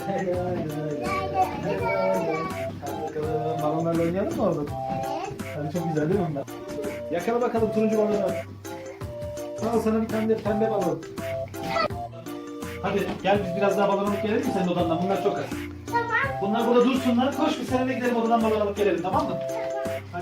Hadi bakalım. Balonlarla oynayalım mı oğlum? Hadi çok güzel değil mi bunlar? Yakala bakalım turuncu balonu. Al sana bir tane de pembe balon. Hadi gel biz biraz daha balon alıp gelelim mi senin odandan? Bunlar çok az. Tamam. Bunlar burada dursunlar. Koş biz seninle gidelim odadan balon alıp gelelim, tamam mı? Hadi.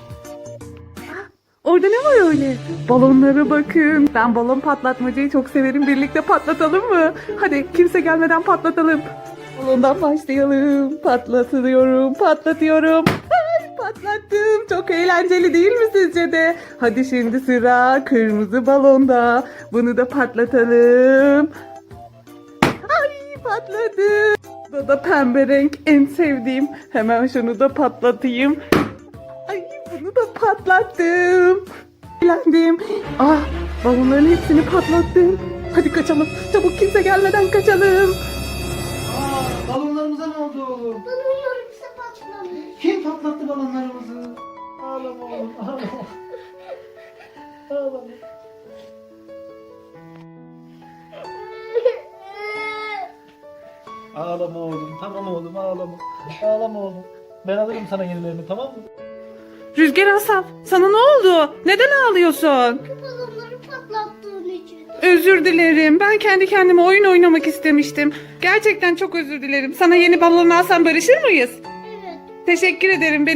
Orada ne var öyle? Balonlara bakın. Ben balon patlatmacayı çok severim. Birlikte patlatalım mı? Hadi kimse gelmeden patlatalım. Balondan başlayalım. Patlatıyorum, patlatıyorum. Ay, patlattım. Çok eğlenceli değil mi sizce de? Hadi şimdi sıra kırmızı balonda. Bunu da patlatalım. Ay, patladı. Bu da pembe renk, en sevdiğim. Hemen şunu da patlatayım. Ay, bunu da patlattım. Eğlendim. Ah, balonların hepsini patlattım. Hadi kaçalım. Çabuk, kimse gelmeden kaçalım. Aa, balonlarımıza ne oldu oğlum? Balonlarımızı patlamış. Kim patlattı balonlarımızı? Ağlama oğlum, ağlama. Ağlama. Ağlama oğlum, tamam oğlum, ağlama. Ağlama oğlum. Ben alırım sana yenilerini, tamam mı? Rüzgar Asaf, sana ne oldu? Neden ağlıyorsun? Balonları patlattığın için. Özür dilerim. Ben kendi kendime oyun oynamak istemiştim. Gerçekten çok özür dilerim. Sana yeni balon alsam barışır mıyız? Evet. Teşekkür ederim.